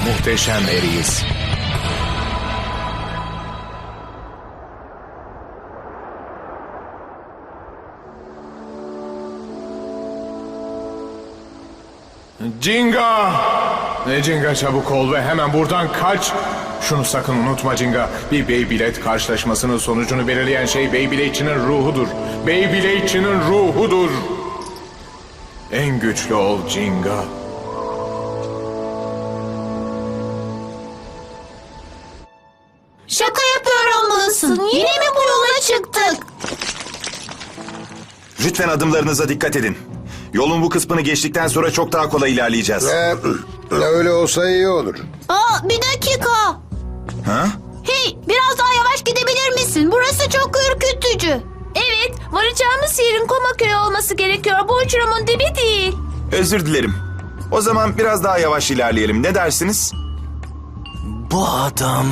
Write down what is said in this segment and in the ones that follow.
muhteşem eriyiz. Jinga! Jinga çabuk ol ve hemen buradan kaç. Şunu sakın unutma Jinga. Bir Beyblade karşılaşmasının sonucunu belirleyen şey Beyblade'çinin ruhudur. Beyblade'çinin ruhudur. En güçlü ol Jinga. Şaka yapıyor olmalısın. Yine mi bu yola çıktık? Lütfen adımlarınıza dikkat edin. Yolun bu kısmını geçtikten sonra çok daha kolay ilerleyeceğiz. Öyle olsa iyi olur. Aa, bir dakika. Ha? Hey, biraz daha yavaş gidebilir misin? Burası çok ürkütücü. Evet, varacağımız yerin Komaköy olması gerekiyor. Bu uçurumun dibi değil. Özür dilerim. O zaman biraz daha yavaş ilerleyelim. Ne dersiniz? Bu adam...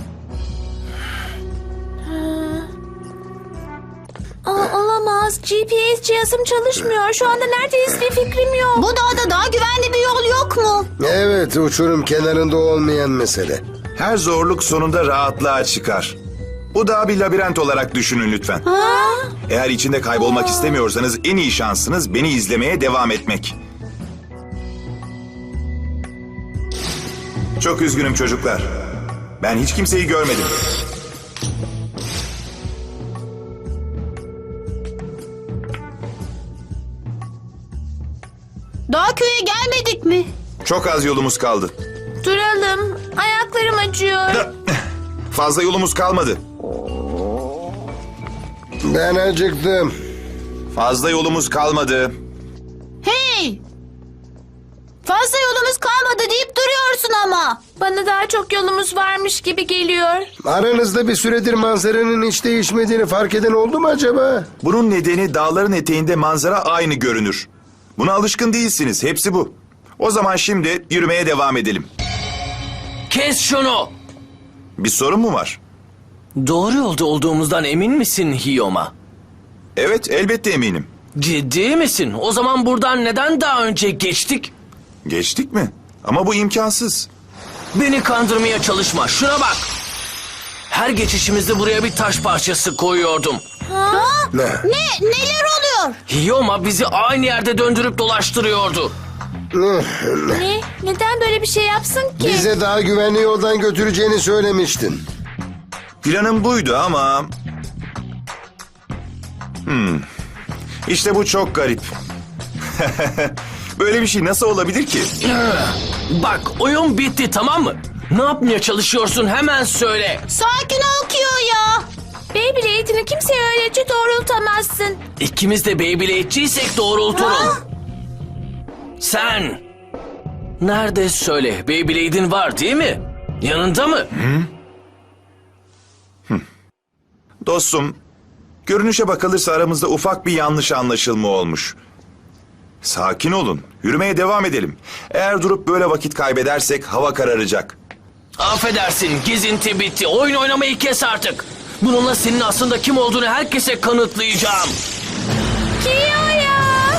Olamaz. GPS cihazım çalışmıyor. Şu anda neredeyiz bir fikrim yok. Bu dağda daha güvenli bir yol yok mu? Evet, uçurum kenarında olmayan mesele. Her zorluk sonunda rahatlığa çıkar. Bu da bir labirent olarak düşünün lütfen. Eğer içinde kaybolmak istemiyorsanız en iyi şansınız beni izlemeye devam etmek. Çok üzgünüm çocuklar. Ben hiç kimseyi görmedim. Daha köye gelmedik mi? Çok az yolumuz kaldı. Duralım. Ayaklarım acıyor. Fazla yolumuz kalmadı. Ben acıktım. Fazla yolumuz kalmadı. Hey! Fazla yolumuz kalmadı deyip duruyorsun ama. Bana daha çok yolumuz varmış gibi geliyor. Aranızda bir süredir manzaranın hiç değişmediğini fark eden oldu mu acaba? Bunun nedeni dağların eteğinde manzara aynı görünür. Buna alışkın değilsiniz. Hepsi bu. O zaman şimdi yürümeye devam edelim. Kes şunu! Bir sorun mu var? Doğru yolda olduğumuzdan emin misin Hiyoma? Evet, elbette eminim. Ciddi misin? O zaman buradan neden daha önce geçtik? Geçtik mi? Ama bu imkansız. Beni kandırmaya çalışma. Şuna bak. Her geçişimizde buraya bir taş parçası koyuyordum. Ne? Neler oluyor? Hiyoma bizi aynı yerde döndürüp dolaştırıyordu. Ne? Neden böyle bir şey yapsın ki? Bize daha güvenli yoldan götüreceğini söylemiştin. Planım buydu ama... İşte bu çok garip. Böyle bir şey nasıl olabilir ki? Bak, oyun bitti, tamam mı? Ne yapmaya çalışıyorsun, hemen söyle. Sakin ol Kiyo ya. Beyblade'ini kimseye öylece doğrultamazsın. İkimiz de Beyblade'ciysek doğrulturum. Sen... Nerede söyle, Beyblade'in var değil mi? Yanında mı? Dostum, görünüşe bakılırsa aramızda ufak bir yanlış anlaşılma olmuş. Sakin olun, yürümeye devam edelim. Eğer durup böyle vakit kaybedersek hava kararacak. Affedersin, gezinti bitti. Oyun oynamayı kes artık. Bununla senin aslında kim olduğunu herkese kanıtlayacağım. Kiyo'ya!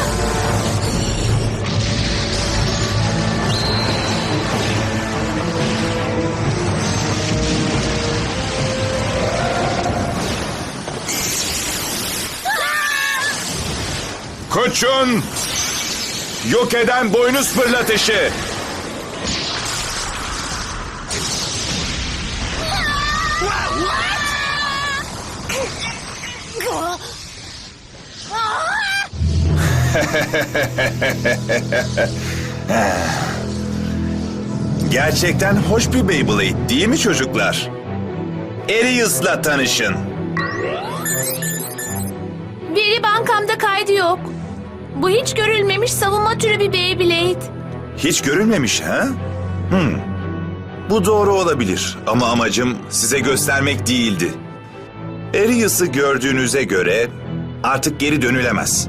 Koçun! Yok eden boynuz fırlatışı! Gerçekten hoş bir Beyblade değil mi çocuklar? Arius'la tanışın. Veri bankamda kaydı yok. Bu hiç görülmemiş savunma türü bir Beyblade. Hiç görülmemiş ha? Bu doğru olabilir ama amacım size göstermek değildi. Arius'u gördüğünüze göre artık geri dönülemez.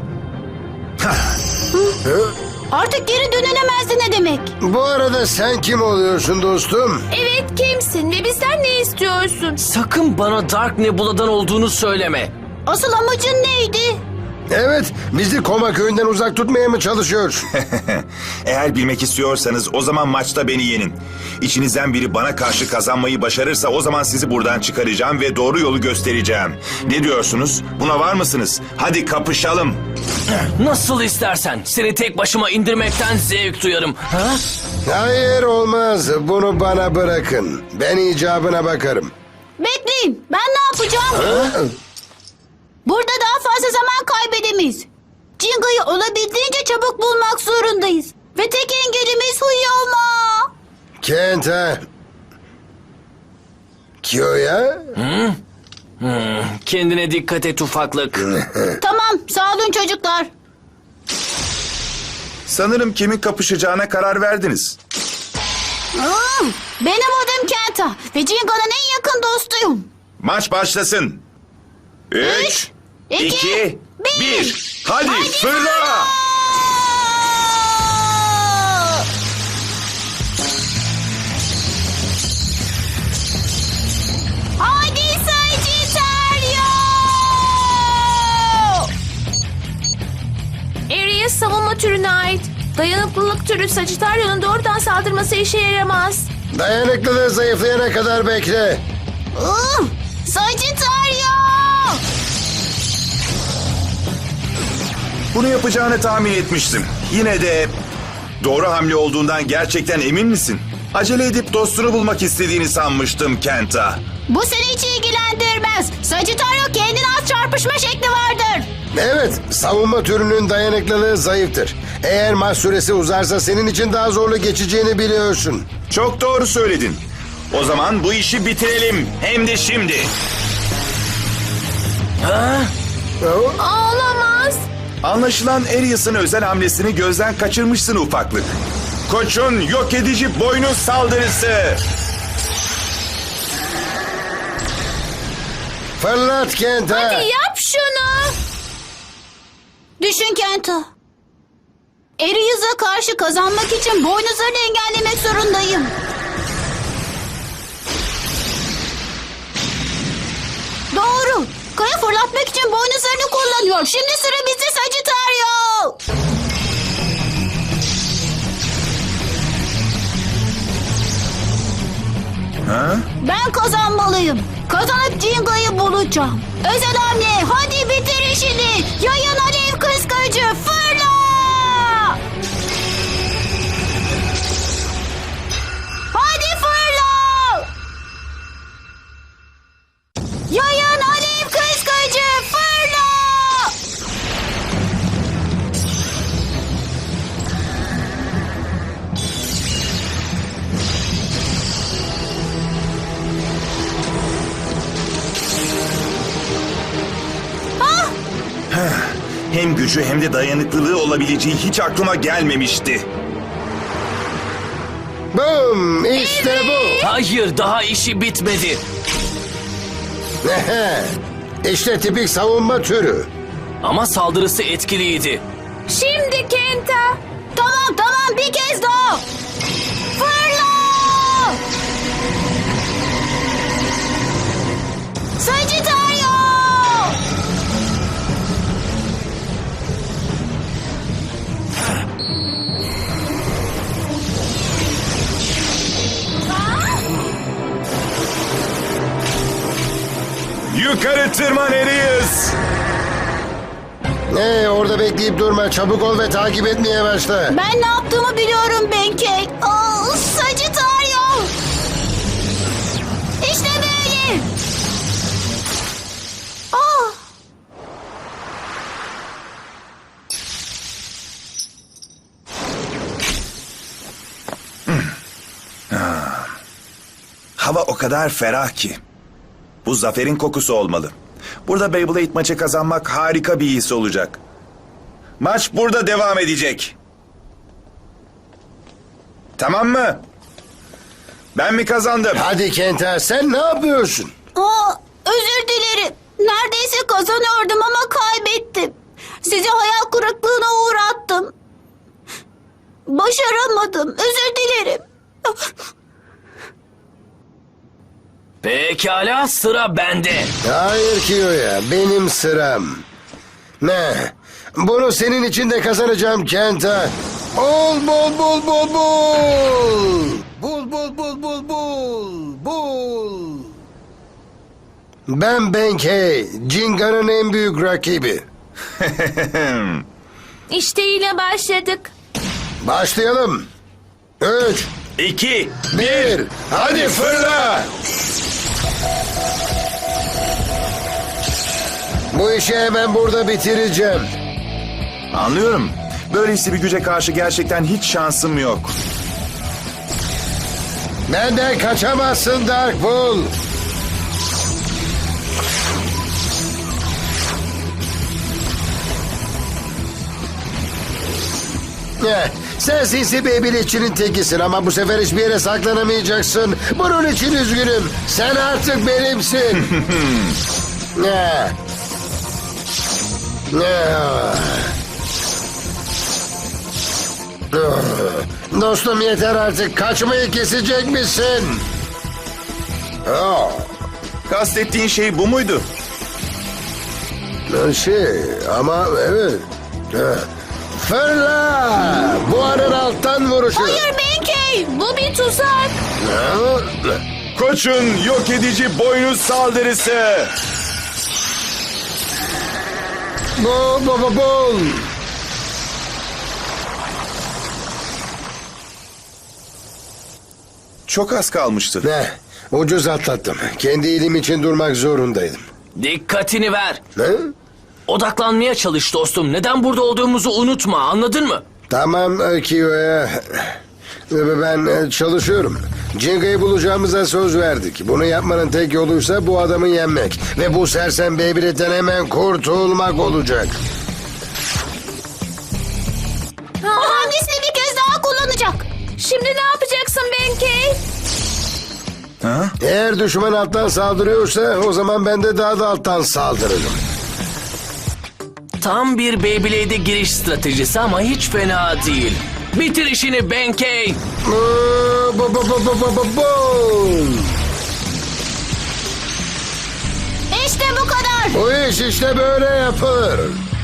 Artık geri dönülemezdi ne demek? Bu arada sen kim oluyorsun dostum? Evet, kimsin ve bizden ne istiyorsun? Sakın bana Dark Nebula'dan olduğunu söyleme. Asıl amacın neydi? Evet, bizi Koma köyünden uzak tutmaya mı çalışıyor? Eğer bilmek istiyorsanız o zaman maçta beni yenin. İçinizden biri bana karşı kazanmayı başarırsa o zaman sizi buradan çıkaracağım ve doğru yolu göstereceğim. Ne diyorsunuz? Buna var mısınız? Hadi kapışalım. Nasıl istersen. Seni tek başıma indirmekten zevk duyarım. Ha? Hayır olmaz, bunu bana bırakın. Ben icabına bakarım. Bekleyin. Ben ne yapacağım? Burada daha fazla zaman kaybedemeyiz. Cinga'yı olabildiğince çabuk bulmak zorundayız. Ve tek engelimiz Huyoma. Kenta. Kyo'ya? Kendine dikkat et ufaklık. Tamam, sağ olun çocuklar. Sanırım kimin kapışacağına karar verdiniz. Benim adım Kenta ve Cinga'nın en yakın dostuyum. Maç başlasın. 3, 2, 1. Hadi fırla! Hadi Sagittario! Aries savunma türüne ait. Dayanıklılık türü Sagittario'nun doğrudan saldırması işe yaramaz. Dayanıklılığı zayıflayana kadar bekle. Sagittario! Bunu yapacağını tahmin etmiştim. Yine de doğru hamle olduğundan gerçekten emin misin? Acele edip dostunu bulmak istediğini sanmıştım Kenta. Bu seni hiç ilgilendirmez. Sagittario kendine az çarpışma şekli vardır. Evet, savunma türünün dayanıklılığı zayıftır. Eğer maç süresi uzarsa senin için daha zorlu geçeceğini biliyorsun. Çok doğru söyledin. O zaman bu işi bitirelim. Hem de şimdi. Olamaz. Anlaşılan Arius'ın özel hamlesini gözden kaçırmışsın ufaklık. Koç'un yok edici boynuz saldırısı. Fırlat Kenta. Yap şunu. Düşün Kenta. Arius'a karşı kazanmak için boynuzlarını engellemek zorundayım. Doğru. Kaya fırlatmak için boynuzlarını kullanıyor. Şimdi sıra bizde Sagittario. Ben kazanmalıyım. Kazanıp Cinga'yı bulacağım. Özel hamle. Hadi bitir işini. Yayın alev kıskacı. Fırla! Hadi fırla! Yayın alev kıskacı. Fırla! Hem gücü hem de dayanıklılığı olabileceği hiç aklıma gelmemişti. Boom, işte bu. Hayır, daha işi bitmedi. İşte tipik savunma türü. Ama saldırısı etkiliydi. Şimdi Kenta. Tamam bir kez daha. Fırla! Sagittario! Yukarı tırman Arius. Orada bekleyip durma. Çabuk ol ve takip etmeye başla. Ben ne yaptığımı biliyorum Benkei. Sagittario! İşte böyle. Hava o kadar ferah ki. Bu zaferin kokusu olmalı. Burada Beyblade maçı kazanmak harika bir his olacak. Maç burada devam edecek. Tamam mı? Ben mi kazandım? Hadi Kenta, sen ne yapıyorsun? Özür dilerim. Neredeyse kazanıyordum ama kaybettim. Sizi hayal kırıklığına uğrattım. Başaramadım. Özür dilerim. Pekala, sıra bende. Hayır Kiyo'ya, benim sıram. Ne? Bunu senin için de kazanacağım Kenta. Bul bul bul bul bul. Bul bul bul bul bul. Bul. Ben Benkei, Jinga'nın en büyük rakibi. İşte yine başladık. Başlayalım. 3, 2, 1, hadi fırla. Bu işi hemen burada bitireceğim. Anlıyorum. Böylesi bir güce karşı gerçekten hiç şansım yok. Benden kaçamazsın Dark Bull. Sen sinsi Beyblade'çinin tekisin ama bu sefer hiçbir yere saklanamayacaksın. Bunun için üzgünüm. Sen artık benimsin. Ne? Dostum yeter artık. Kaçmayı kesecek misin? Kastettiğin şey bu muydu? Ama evet. Fırla! Buharın alttan vuruşu. Hayır Benkei, bu bir tuzak. Koçun yok edici boynuz saldırısı. Bul. Çok az kalmıştı. Ne? Ucuz atlattım. Kendi iyiliğim için durmak zorundaydım. Dikkatini ver. Ne? Odaklanmaya çalış dostum. Neden burada olduğumuzu unutma, anladın mı? Tamam Kiyo'ya. Ben çalışıyorum. Jinga'yı bulacağımıza söz verdik. Bunu yapmanın tek yoluysa bu adamı yenmek. Ve bu sersem Beyblade'den hemen kurtulmak olacak. O hamlesini bir kez daha kullanacak. Şimdi ne yapacaksın Benkei? Eğer düşman alttan saldırıyorsa o zaman ben de daha da alttan saldırırım. Tam bir Beyblade'e giriş stratejisi ama hiç fena değil. Bitir işini Benkei. İşte bu kadar. Bu iş işte böyle yapılır.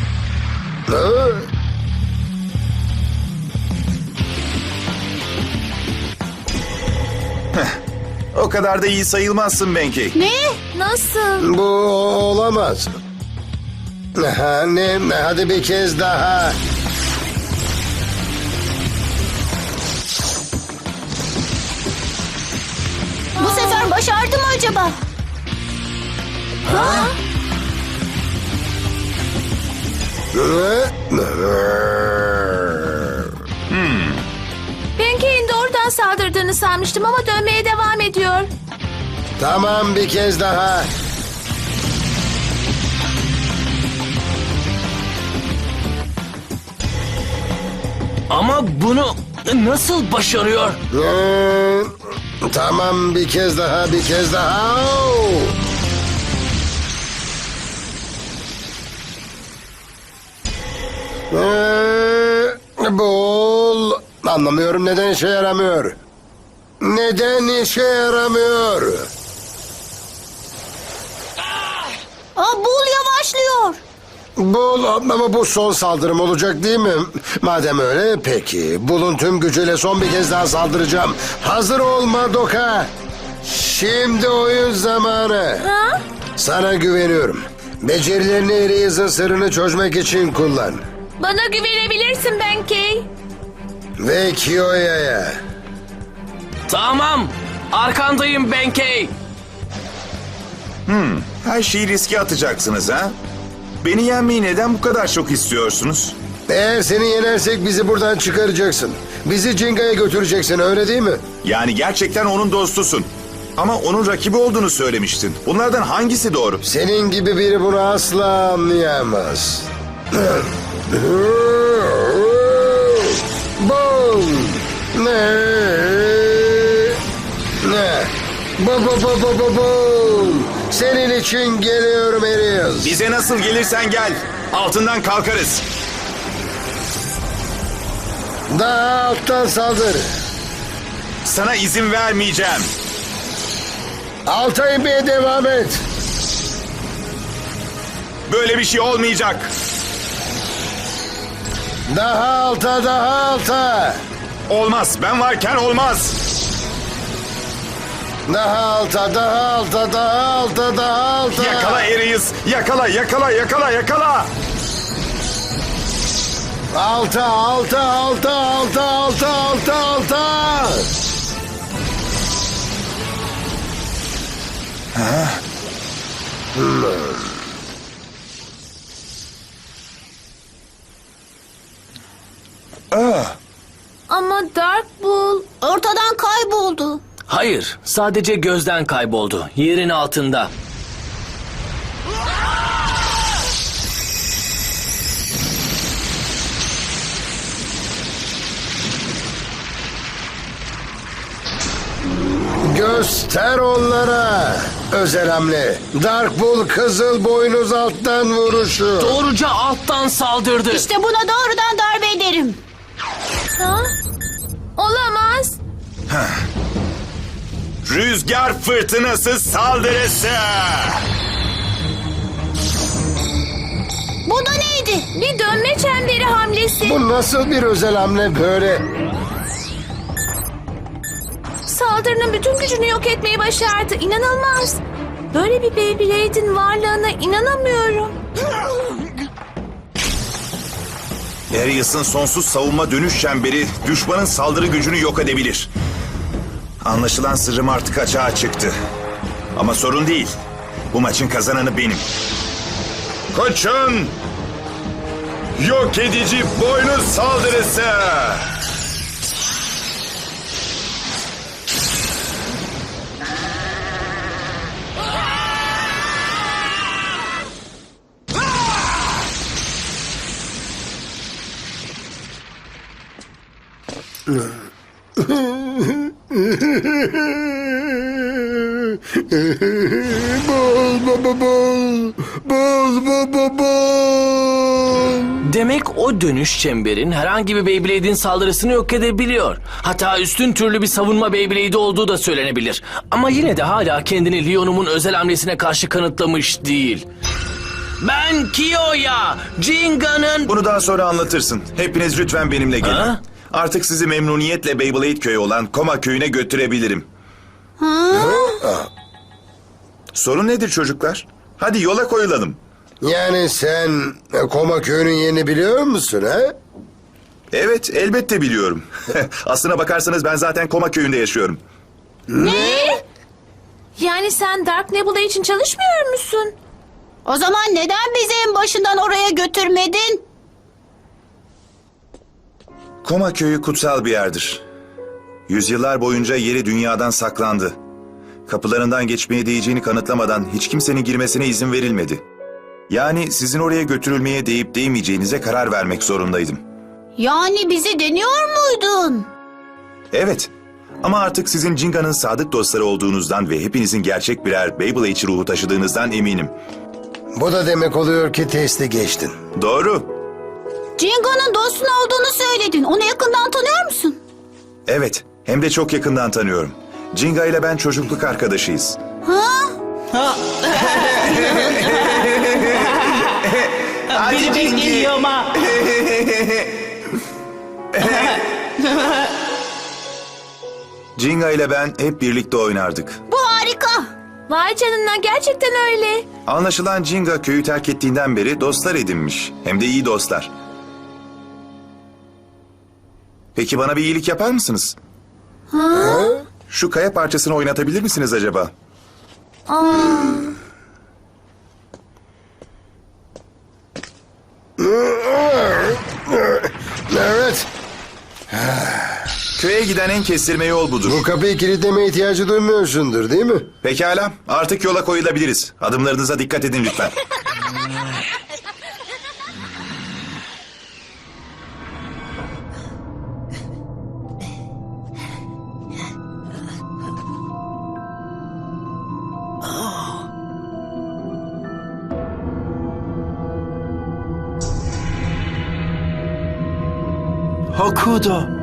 O kadar da iyi sayılmazsın Benkei. Ne? Nasıl? Bu olamaz. Hadi bir kez daha. Bu sefer başardı mı acaba? Benkei'nin doğrudan saldırdığını sanmıştım ama dönmeye devam ediyor. Tamam bir kez daha. Ama bunu nasıl başarıyor? Tamam bir kez daha bir kez daha. Bul. Anlamıyorum neden işe yaramıyor. Neden işe yaramıyor? Bul yavaşlıyor. Bul ama bu son saldırım olacak değil mi? Madem öyle peki. Bul'un tüm gücüyle son bir kez daha saldıracağım. Hazır ol Madoka. Şimdi oyun zamanı. Sana güveniyorum. Becerilerini Eraser'ın sırrını çözmek için kullan. Bana güvenebilirsin Benkei. Ve Kiyo'ya. Tamam. Arkandayım Benkei. Her şeyi riske atacaksınız ha? Beni yenmeyi neden bu kadar çok istiyorsunuz? Eğer seni yenersek bizi buradan çıkaracaksın. Bizi Jinga'ya götüreceksin öyle değil mi? Yani gerçekten onun dostusun. Ama onun rakibi olduğunu söylemiştin. Bunlardan hangisi doğru? Senin gibi biri bunu asla anlayamaz. Bum! Ne? Bum! Senin için geliyorum Erios. Bize nasıl gelirsen gel. Altından kalkarız. Daha alttan saldır. Sana izin vermeyeceğim. Alta inmeye devam et. Böyle bir şey olmayacak. Daha alta, daha alta. Olmaz. Ben varken olmaz. Daha alta, daha alta, daha alta, daha alta. Yakala Arius. Yakala, yakala, yakala, yakala. Alta, alta, alta, alta, alta, alta, alta. Ama Dark Bull... Ortadan kayboldu. Hayır, sadece gözden kayboldu. Yerin altında. Göster onlara. Özel hamle. Dark Bull Kızıl Boynuz alttan vuruşu. Doğruca alttan saldırdı. İşte buna doğrudan darbe ederim. Ha? Olamaz. Rüzgar fırtınası saldırısı. Bu da neydi? Bir dönme çemberi hamlesi. Bu nasıl bir özel hamle böyle? Saldırının bütün gücünü yok etmeyi başardı. İnanılmaz. Böyle bir Beyblade'in varlığına inanamıyorum. Arius'ın sonsuz savunma dönüş çemberi düşmanın saldırı gücünü yok edebilir. Anlaşılan sırrım artık açığa çıktı. Ama sorun değil. Bu maçın kazananı benim. Koçun! Yok edici boynuz saldırısı! Demek o dönüş çemberin herhangi bir Beyblade'in saldırısını yok edebiliyor. Hatta üstün türlü bir savunma Beyblade'i olduğu da söylenebilir. Ama yine de hala kendini Leon'umun özel hamlesine karşı kanıtlamış değil. Ben Kiyo'ya, Jinga'nın... Bunu daha sonra anlatırsın. Hepiniz lütfen benimle gelin. Ha? Artık sizi memnuniyetle Beyblade köyü olan Koma köyüne götürebilirim. Sorun nedir çocuklar? Hadi yola koyulalım. Yani sen Koma köyünün yerini biliyor musun ha? Evet, elbette biliyorum. Aslına bakarsanız ben zaten Koma köyünde yaşıyorum. Yani sen Dark Nebula için çalışmıyor musun? O zaman neden bizi en başından oraya götürmedin? Koma köyü kutsal bir yerdir. Yüzyıllar boyunca yeri dünyadan saklandı. Kapılarından geçmeye değeceğini kanıtlamadan hiç kimsenin girmesine izin verilmedi. Yani sizin oraya götürülmeye değip değmeyeceğinize karar vermek zorundaydım. Yani bizi deniyor muydun? Evet. Ama artık sizin Jinga'nın sadık dostları olduğunuzdan ve hepinizin gerçek birer Beyblade ruhu taşıdığınızdan eminim. Bu da demek oluyor ki testi geçtin. Doğru. Jinga'nın dostun olduğunu söyledin. Onu yakından tanıyor musun? Evet. Hem de çok yakından tanıyorum. Jinga ile ben çocukluk arkadaşıyız. Biri bekleniyor ama. Jinga ile ben hep birlikte oynardık. Bu harika. Vay canına, gerçekten öyle. Anlaşılan Jinga köyü terk ettiğinden beri dostlar edinmiş. Hem de iyi dostlar. Peki bana bir iyilik yapar mısınız? Şu kaya parçasını oynatabilir misiniz acaba? Evet. Köye giden en kestirme yol budur. Bu kapıyı kilitlemeye ihtiyacı duymuyorsundur değil mi? Pekala, artık yola koyulabiliriz. Adımlarınıza dikkat edin lütfen. Hokudo.